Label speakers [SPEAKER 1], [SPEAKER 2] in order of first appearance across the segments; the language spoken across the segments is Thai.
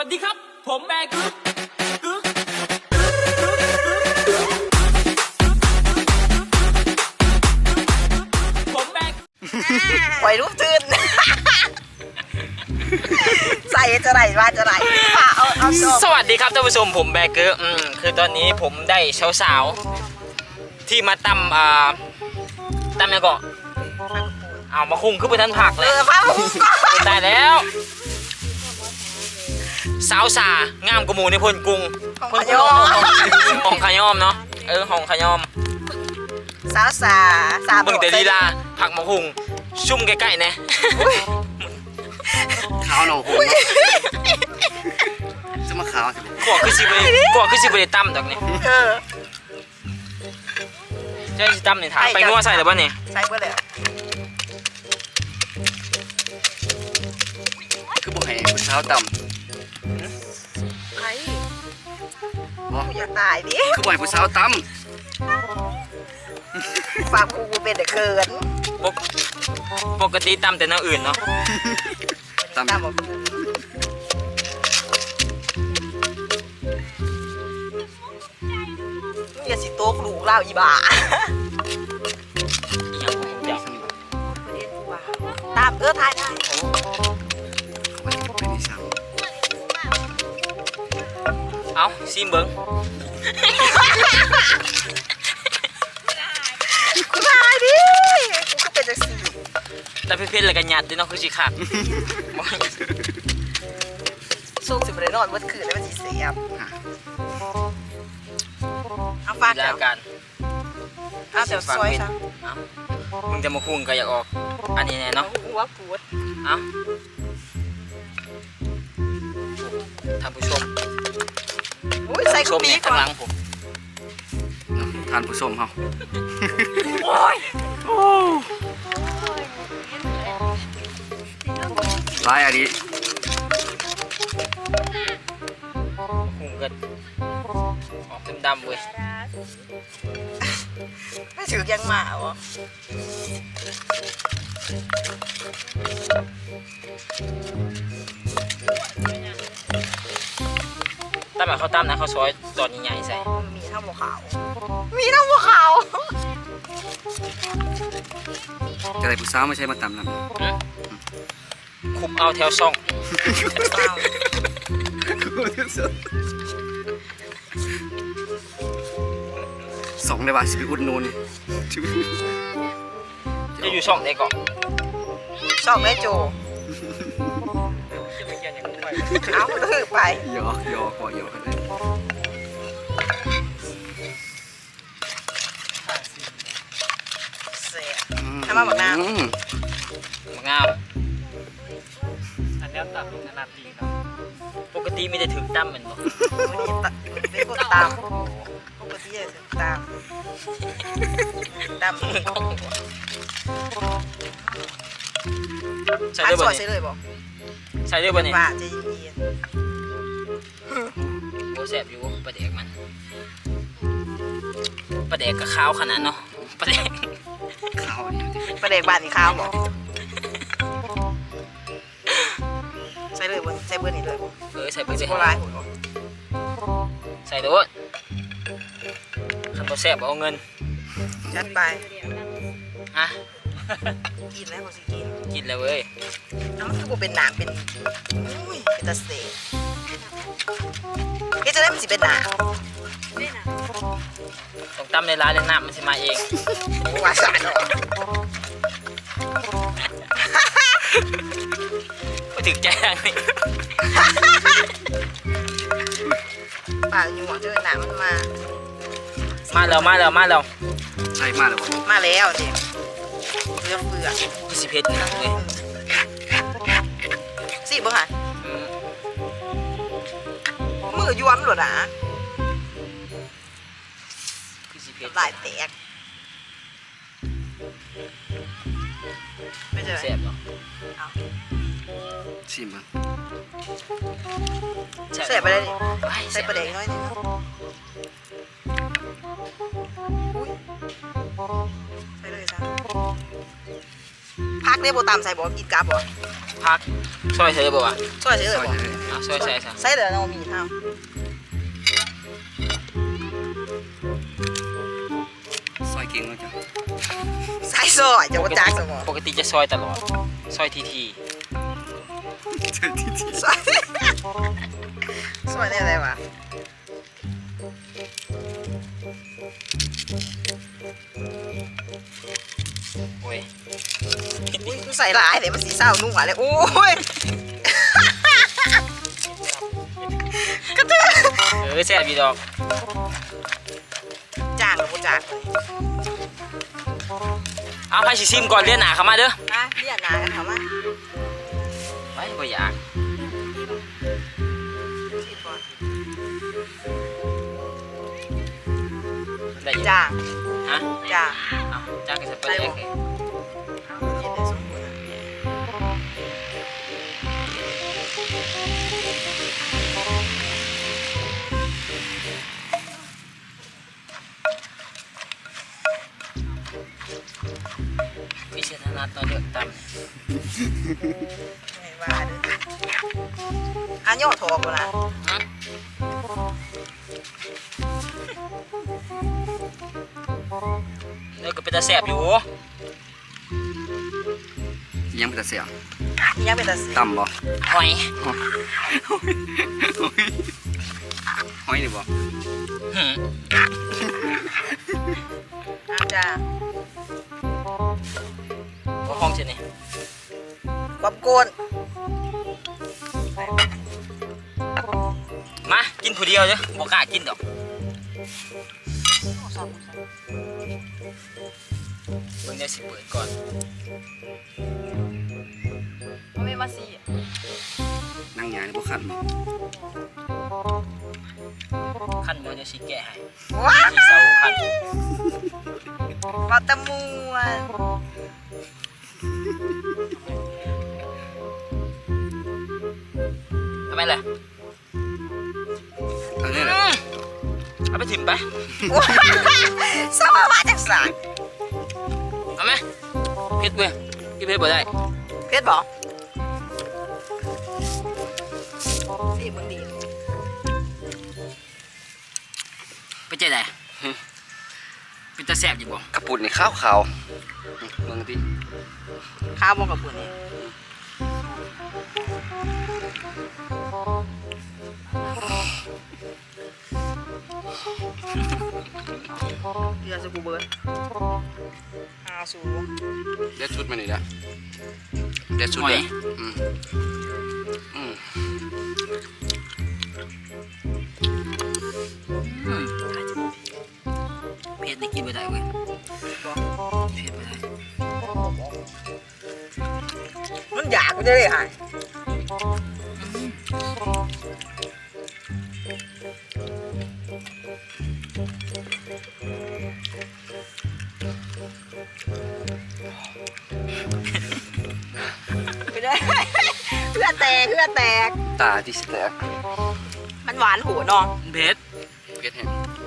[SPEAKER 1] วัสดีครับผมแบกึ๊กผมแบก
[SPEAKER 2] ปล่อยรูปตื่นใส่จะไหนว่าจะไหนเอา
[SPEAKER 1] สวัสดีครับท่านผู้ชมผมแบกึ๊กคือตอนนี้ผมได้สาวๆที่มาตำยังก่อนเอามาคุ้งขึ้นไปทันผักเลย
[SPEAKER 2] พาผมก่อน
[SPEAKER 1] ได้แล้วสาวสางามกว่าหมูในพลกรุงห้องขยอมเนาะห้องขยอม
[SPEAKER 2] สาวสา
[SPEAKER 1] เบิ่งแต่ลีลาผักมะคุ้งชุ่มใกล้ๆเนี่ย
[SPEAKER 3] ขาวหนองหูจะมาขาว
[SPEAKER 1] กว่าคือสิบริตั้มดอกนี่ใช่ตั้มนี่ถามไปงัวใส่หรือเปล่านี่
[SPEAKER 2] ใส่เพื่อเลย
[SPEAKER 3] คือบอกให้ผู้สาวต่ำ
[SPEAKER 2] ใครอย่าตายดิ
[SPEAKER 3] คือบอกให้ผู้สาวต่ำ
[SPEAKER 2] ฝากกูเป็นเด็กเขิน
[SPEAKER 1] ปกติตั้มแต่น้ำอื่นเนาะ
[SPEAKER 3] ต่ำ
[SPEAKER 2] อย่าสิโต๊ะลูกเล่าอีบ้าตามทายได้
[SPEAKER 1] เอาซิมเบิ้ง
[SPEAKER 2] กูตายดิกูก็เป็นจังซี่
[SPEAKER 1] แล้วเพื่อนๆอะไรกันหยาดด้วยเนาะคือสิขาด
[SPEAKER 2] สู้สิบเลยนอนเมื่อคืนแล้วมันสิเสียบเอาฟาด
[SPEAKER 1] แล้วกัน
[SPEAKER 2] เอาเดี๋ยวซอยซะ
[SPEAKER 1] มึงจะมาคุ้งก็อยากออกอันนี้แน่เนาะ
[SPEAKER 2] หัวปวด
[SPEAKER 1] เอาท่านผู้ชม
[SPEAKER 2] ใส่กระปี
[SPEAKER 1] ข้างหลังผม
[SPEAKER 3] ทานผู้ชมเขาลายอันนี้
[SPEAKER 1] คุ้งก็ออกดำๆเว้ย
[SPEAKER 2] ไม่ถือยังมาวะ
[SPEAKER 1] ตั้มแบบเขาตั้มนะเขาซอยตอนใหญ่ๆใส่
[SPEAKER 2] มีทั้งหัวขาว
[SPEAKER 3] จะได้ผู้สาวไม่ใช่มาต่ำนะ
[SPEAKER 1] คุบเอาแถวซ่อง
[SPEAKER 3] สองเลยว่ะสิบอุดนูน
[SPEAKER 1] จะอยู่ช่องไหนก่อน
[SPEAKER 2] ช่องได้โจเอาถือไป
[SPEAKER 3] ยอกก่อยอกกันเลย
[SPEAKER 2] เสียทำมาบักน้ำ
[SPEAKER 1] งามอันนี้ตัดขนาดดีเนาะปกติมีแต่ถึงตั้มเหมือนบ่
[SPEAKER 2] ไม่กดตามปกติจะถึงตาม
[SPEAKER 1] ใส่ด้วยบ่
[SPEAKER 2] ใส่เลยบ่
[SPEAKER 1] ใส่ด้วยบ่เนี่ย
[SPEAKER 2] ว่าจะเย็น
[SPEAKER 1] โอ้แซ่บอยู่ปลาแดกมันปลาแดกก็ขาวขนาดเนาะปลาแดก
[SPEAKER 3] ขาวนี่
[SPEAKER 2] ปลาแดกบ้านนี่ขาวบ่ใส่เลยบ่ใส่เบอร์นี่เลยบ่
[SPEAKER 1] ใส่เบอร์สิใส่โดดคันบ่แซ่บเอาเงิน
[SPEAKER 2] จัดไป
[SPEAKER 1] อ่ะ
[SPEAKER 2] กินแล้วบ่สิ
[SPEAKER 1] กินแล้วเว้ย
[SPEAKER 2] น้ำมันคือบ่เป็นหนังเป็นตะเสกเฮ็ดจะได้มันสิเป็นหนัง
[SPEAKER 1] ต้องตำในร้านในน้ำมันสิมาเอง
[SPEAKER 2] ว่าสารเนาะ
[SPEAKER 1] ไม่ถึงใจนี่
[SPEAKER 2] ปากอยู่หมดเจอหนังมันมา
[SPEAKER 1] แล้ว
[SPEAKER 3] ใช่มาแล้วบ่
[SPEAKER 2] มาแล้วเดี๋ยวเลือกเปลือก
[SPEAKER 1] พี่สิเพชรนะเว้ย
[SPEAKER 2] สิบ่ค่ะมือย้วมหลุดอ่ะ
[SPEAKER 1] พี่สิเพชร
[SPEAKER 2] ลายแตกไม่เจอ
[SPEAKER 1] แซ่บเหรอ
[SPEAKER 3] ชิมมั้ง
[SPEAKER 2] แซ่บไปเลยใส่ปลาแดกน้อยนึงใส่เลยจ้ะพักเรียกโบตามใส่บอกกินกาบบอก
[SPEAKER 1] พักซอยเธอบ่วะ
[SPEAKER 2] ช่วยเฉย
[SPEAKER 3] ซ
[SPEAKER 2] บ
[SPEAKER 3] อย
[SPEAKER 2] อก
[SPEAKER 3] เลย
[SPEAKER 1] เอาซอยใส่ซะ
[SPEAKER 2] ใส่เดี๋ยวเรามีเท่า
[SPEAKER 3] ซอยเก่งมากจ้ะ
[SPEAKER 2] ใส่ซอยจะว่าจากสมอง
[SPEAKER 1] ปกติจะซอยตลอดซอยที
[SPEAKER 3] เจอที่
[SPEAKER 2] ซอยซอยได้อะไรวะ
[SPEAKER 1] โอ้ย
[SPEAKER 2] อุ้ยกูใส่หลายเดี๋ยวมันสีเศร้านุ่งอะไรโอ้ยกระเทือน
[SPEAKER 1] แซ่บอีดอก
[SPEAKER 2] จางหรือบ่จาง
[SPEAKER 1] เอาให้สิซิมก่อนเลียนหนาเข้ามาเด้อ
[SPEAKER 2] นะเรียกนากันเขามา
[SPEAKER 1] ไว้บ่อยาก
[SPEAKER 2] ชิมก่อน
[SPEAKER 1] ได้อยู่
[SPEAKER 2] จาง
[SPEAKER 1] ฮะ
[SPEAKER 2] จาง
[SPEAKER 1] เอาจ้างกันสักประเดี๋ยวเลย
[SPEAKER 2] กินได้สมบูรณ์
[SPEAKER 1] พิเศษธนัดตอนเดือดต
[SPEAKER 2] ไม่ว่าเด้ออันย่อทอกนะ
[SPEAKER 1] ำฮะเนื้อก็เป็นตาแซ่บอยู่
[SPEAKER 3] ยังเป็นตาเสียง
[SPEAKER 2] ยังเป็นตาสี
[SPEAKER 3] ต่ำบ่
[SPEAKER 1] หอย
[SPEAKER 3] ห้อยนี่บ่
[SPEAKER 1] หืม
[SPEAKER 2] จาง
[SPEAKER 1] บ่ห้องเช่นนี้
[SPEAKER 2] ความโกน
[SPEAKER 1] มากินผู้เดียวเด้อบ่กล้ากินดอกเบิ่งได้สิเปิดก่อน
[SPEAKER 2] ไม่มาสี
[SPEAKER 3] นั่งหยานี่บ่ขันบ่
[SPEAKER 1] ขั้นบ่เดี๋ยวสิแกะให้
[SPEAKER 2] ว้า
[SPEAKER 1] สิเซาขั้น
[SPEAKER 2] วัตมวน
[SPEAKER 1] ทำไมล่ะ
[SPEAKER 3] อันนี้แหละ
[SPEAKER 1] เอาไปถิ่มไป
[SPEAKER 2] สมาว่าจากสาย
[SPEAKER 1] เอาไหมเผ็ดเว้ยกินเผ็ดบ่ได้
[SPEAKER 2] เพชรบอกสีมึงดี
[SPEAKER 1] ไปเจ๊ได้เป็นตาแซ่บอยู่บ่
[SPEAKER 3] กระปุกนี่ขาวๆเบิ่งติ
[SPEAKER 2] ข้าวบงกับปุ่นนี่เดี๋ยวจะกูเบิร์นสู
[SPEAKER 3] เด็ดชุดมานี่นะเด็ดชุดเด้ออืมอืม
[SPEAKER 1] อืมเผ็ดนี่กินบ่ได้เว้ยเผ็ดบ่ได้
[SPEAKER 2] มันอยากกูจะได้หายไปเลยเพื่อแตกเพื่อแตก
[SPEAKER 3] ตาที่สิแตก
[SPEAKER 2] มันหวานหัวน้อง
[SPEAKER 1] เผ็ด
[SPEAKER 3] เก็ดแห้ง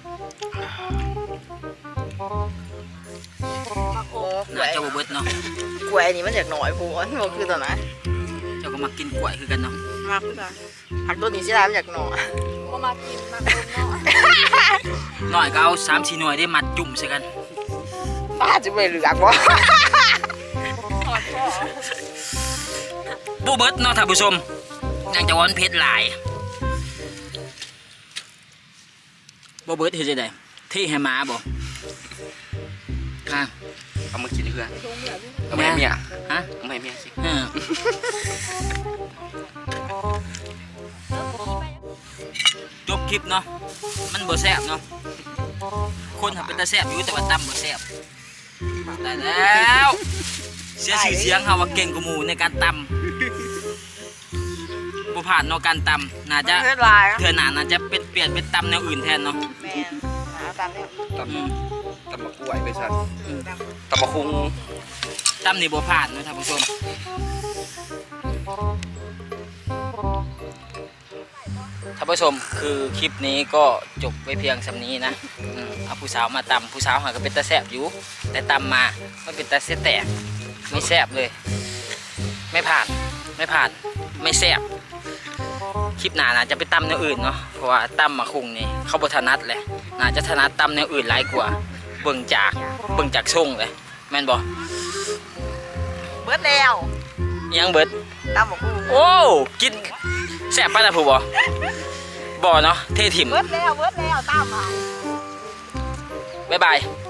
[SPEAKER 2] โอ้กล้
[SPEAKER 1] น่าจะบ่เบิดเนาะ
[SPEAKER 2] กล้วยนี่มันอยากหน่อยกูมันบอกคือตอนนั้น
[SPEAKER 1] เจ้าก็มากินกล้วยคือกันเนาะ
[SPEAKER 2] มากคือตอนผักตัวนี้สิได้มันอยากหน่อย
[SPEAKER 4] ก็มากินมาคนเนาะ
[SPEAKER 1] หน่อยก็เอา3-4หน่วยได้มัดจุ่มใส่กัน
[SPEAKER 2] ป้าจะไปเหลือกวะ
[SPEAKER 4] ถอดพ่อ
[SPEAKER 1] บ่เบิดเนาะท่านผู้ชมยังจะว่ามันเผ็ดหลายบ่เบิดเฮ็ดจังได๋เทให้หมาบ่ค่ะ
[SPEAKER 3] เอามากินเพื่อน
[SPEAKER 4] ลงเหนือพี่
[SPEAKER 3] เอามาให้เมีย
[SPEAKER 1] ฮะ
[SPEAKER 3] เอามาให้เมียสิ
[SPEAKER 1] จบคลิปเนาะมันบ่แซ่บเนาะคนทำเป็นตาแซ่บอยู่แต่ว่าตำบ่แซ่บได้แล้วเสียชื่อเสียงเฮาว่าเก่งกว่าหมู่ในการตำบ่ผ่านเนาะการตำน่าจะ
[SPEAKER 2] เพื่อนลาย
[SPEAKER 1] เทื่อหน้าน่าจะเป็นเปลี่ยนเป็นตำแนวอื่นแทนเนาะ
[SPEAKER 2] แมนหาตามเนี่ย
[SPEAKER 3] ต
[SPEAKER 1] อืม
[SPEAKER 3] ำมะกล้วยไปสั่น
[SPEAKER 2] ตาม
[SPEAKER 3] ตำมะคุง
[SPEAKER 1] ตำนี่บ่ผ่านเนาะท่านผู้ชมท่านผู้ชมคือคลิปนี้ก็จบไว้เพียงสำนี้นะเอาผู้สาวมาตำผู้สาวหาก็เป็นตาแซ่บอยู่แต่ตำมามันเป็นตาเสียแตกไม่แซ่บเลยไม่ผ่านไม่แซ่บคลิปหน้าน่าจะไปตำแนวอื่นเนาะเพราะว่าตำมะคุงนี่เขาบ่ถนัดเลยน่าจะถนัดตำแนวอื่นหลายกว่าเบิ่งจากทรงเลยแม่นบ่
[SPEAKER 2] เบิดแล้ว
[SPEAKER 1] ยังเบิด
[SPEAKER 2] ตำบักหุ่ง
[SPEAKER 1] โอ้กินแซ่บปะล่ะผู้บ่เนาะเทถิ่ม
[SPEAKER 2] เบิดแล้วตำอ่ะ
[SPEAKER 1] บ๊ายบาย